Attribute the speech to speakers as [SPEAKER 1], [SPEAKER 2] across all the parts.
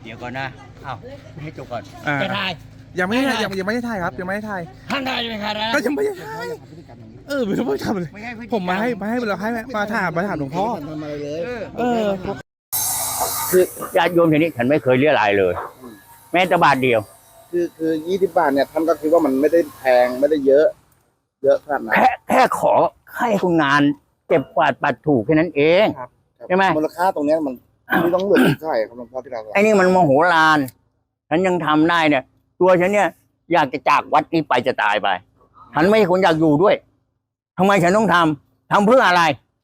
[SPEAKER 1] ดี๋ยวก่อนนะอ้าวให้จบก่อน
[SPEAKER 2] อ่า
[SPEAKER 1] จะถ่าย
[SPEAKER 2] ยังไม่ได้ยังไม่ได้ถ่ายครับยังไม่ได้ถ่าย
[SPEAKER 1] ท่านถ่ายจะเป็นใครนะ
[SPEAKER 2] ก็ยังไม่ได้ถ่ายไม่รู้ว่าทำอะไร
[SPEAKER 1] ไม่ให้พฤติกรร
[SPEAKER 2] ผมมาให้เราให้มาถามหลวงพ่อ
[SPEAKER 3] ทำอะไรเลย
[SPEAKER 1] คือญาติโยมทีนี้ฉันไม่เคยเรียรายเลย แม้แต่บาทเดียว
[SPEAKER 3] คือ20 บาทเนี่ยท่านก็คิดว่ามันไม่ได้แพงไม่ได้เยอะขนาดนั้น
[SPEAKER 1] แค่ขอให้คุณงานเก็บกวาดปัดถูกแค่นั้นเอง
[SPEAKER 3] ครับ
[SPEAKER 1] ใช่ไหม
[SPEAKER 3] มูลค่าตรงเนี้ยมันไม่ต้องเหลือใช่ครับหลวงพ่อที่เรา
[SPEAKER 1] ไอ้นี่มันโมโหลาน ฉันยังทำได้เนี่ย ตัวฉันเนี่ย อยากจะจากวัดนี้ไปจะตายไป ฉันไม่ใช่คนอยากอยู่ด้วยทำไมฉันต้องทำเพื่ออะไร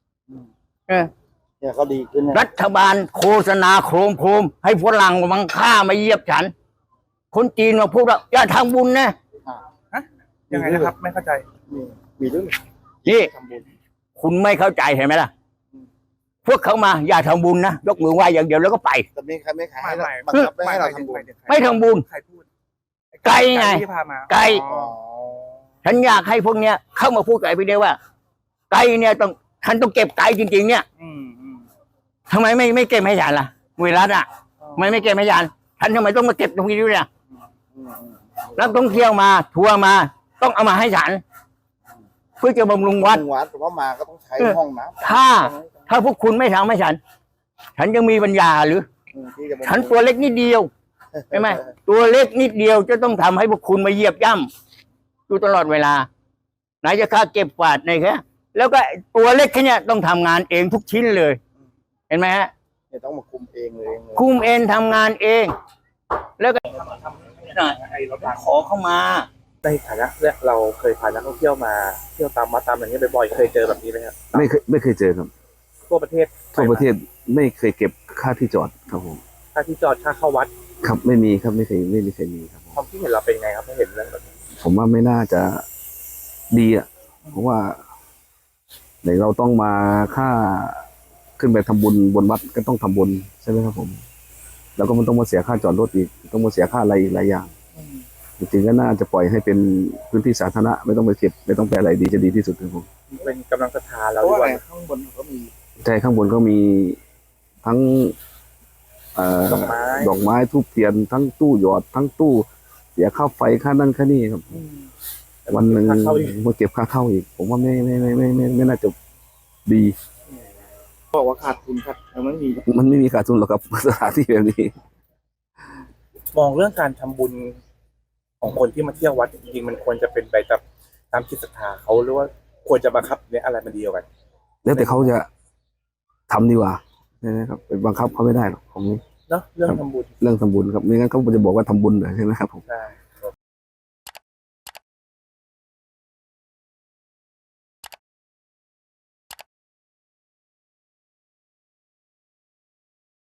[SPEAKER 3] เนี่ยเขาดีขึ้นนะ
[SPEAKER 1] รัฐบาลโฆษณาโครมให้ฝรั่งมังค่ามาเยียบฉัน คนจีนมาพูดว่าอย่าทำบุญนะ
[SPEAKER 2] ยังไงนะครับไม่เข้าใจ
[SPEAKER 3] มีด้วย
[SPEAKER 1] นี่
[SPEAKER 3] ทำบุญ
[SPEAKER 1] คุณไม่เข้าใจเห็นไหมล่ะ พวกเขามาอย่าทำบุญนะยกมือไหว้อย่างเดียวแล้วก็ไป
[SPEAKER 3] แต่ไม่ใครไม่ขายให้
[SPEAKER 2] ไม่
[SPEAKER 3] เราบังคับไม่ให้เราทำบุญ
[SPEAKER 1] ไม่ทำบุญ
[SPEAKER 2] ใครพูด
[SPEAKER 1] ไกลไง
[SPEAKER 2] ที่พามา
[SPEAKER 1] ไกล
[SPEAKER 3] อ๋อ
[SPEAKER 1] ฉันอยากให้พวกเนี้ยเข้ามาพูดกับไอ้พี่เดียวว่า ไก่เนี่ยต้องฉันต้องเก็บไก่จริงๆเนี่ย
[SPEAKER 2] อืม
[SPEAKER 1] ทำไมไม่เก็บให้ฉันล่ะเวลาอ่ะทำไมไม่เก็บให้ฉันฉันทำไมต้องมาเก็บตรงนี้ด้วยเนี่ย
[SPEAKER 3] อืม
[SPEAKER 1] นักท่องเที่ยวมาทัวร์มา ต้องเอามาให้ฉัน เพื่อจะบำรุงวัด
[SPEAKER 3] วัดแต่ว่ามาก็ต้องใช้ห้องน้ำ
[SPEAKER 1] ถ้าพวกคุณไม่ทำให้ฉันยังมีปัญญาหรือ
[SPEAKER 3] ที่จะมา
[SPEAKER 1] ฉันตัวเล็กนิดเดียวใช่ไหมตัวเล็กนิดเดียวจะต้องทำให้พวกคุณมาเหยียบย่ำอยู่ตลอดเวลาไหนจะค่าเก็บกวาดไหนแค่แล้วก็ตัวเล็กแค่เนี้ยต้องทำงานเองทุกชิ้นเลย เห็นไหมฮะ
[SPEAKER 3] เนี่ยต้องมาคุมเองเลย
[SPEAKER 1] คุมเองทำงานเอง แล้วก็ขอเข้ามา
[SPEAKER 2] ในฐานะเนี่ยเราเคยพานักท่องเที่ยวมาเที่ยวตามวัดตามอะไรเงี้ยบ่อยๆเคยเจอแบบนี้ไหมครับ
[SPEAKER 4] ไม่เคยเจอครับ
[SPEAKER 2] ทั่วประเทศ
[SPEAKER 4] ทั่วประเทศไม่เคยเก็บค่าที่จอดครับผม
[SPEAKER 2] ค่าที่จอดค่าเข้าวัด
[SPEAKER 4] ครับไม่มีครับไม่เคยมีครับผม
[SPEAKER 2] ความคิดเห็นเราเป็นไงครับถ้าเห็นเรื่องแบบนี้
[SPEAKER 4] ผมว่าไม่น่าจะดีอ่ะเพราะว่าไหนเราต้องมาค่าขึ้นไปทำบุญบนวัดก็ต้องทำบุญใช่ไหมครับผม แล้วก็มันต้องมาเสียค่าจอดรถอีกต้องมาเสียค่าอะไรอีกหลายอย่างจริงๆก็น่าจะปล่อยให้เป็นพื้นที่สาธารณะไม่ต้องไปเก็บไม่ต้องไปอะไรดีจะดีที่สุดครับผม
[SPEAKER 2] เป็นกำลังศรัทธาเรา
[SPEAKER 3] เพราะ
[SPEAKER 2] ด้
[SPEAKER 3] ว่า
[SPEAKER 2] วย
[SPEAKER 3] ข้างบนก็มี
[SPEAKER 4] ใช่ข้างบนก็มีทั้งดอกไม้ทูบเทียนทั้งตู้หยอดทั้งตู้เสียค่าไฟค่านั่นค่านี่ครับ วันหนึ่งมาเก็บค่าเข้าอีก ผมว่าไม่น่าจะดี
[SPEAKER 3] บอกว่าขาดทุนครับมันไม่มี
[SPEAKER 4] มันไม่มีขาดทุนหรอกครับ สถานที่แบบนี้
[SPEAKER 2] มองเรื่องการทำบุญของคนที่มาเที่ยววัดจริงๆมันควรจะเป็นไปตามจิตศรัทธาเขาหรือว่าควรจะบังคับเนี่ยอะไรมันเดียวกัน
[SPEAKER 4] แล้วแต่เขาจะทำดีกว่าใช่ไหมครับไปบังคับเขาไม่ได้หรอกของนี้
[SPEAKER 2] เนาะเรื่องทำบุญ
[SPEAKER 4] เรื่องทำบุญครับไม่งั้นเขาจะบอกว่าทำบุญเหรอใช่ไหมครับผม
[SPEAKER 2] ใช่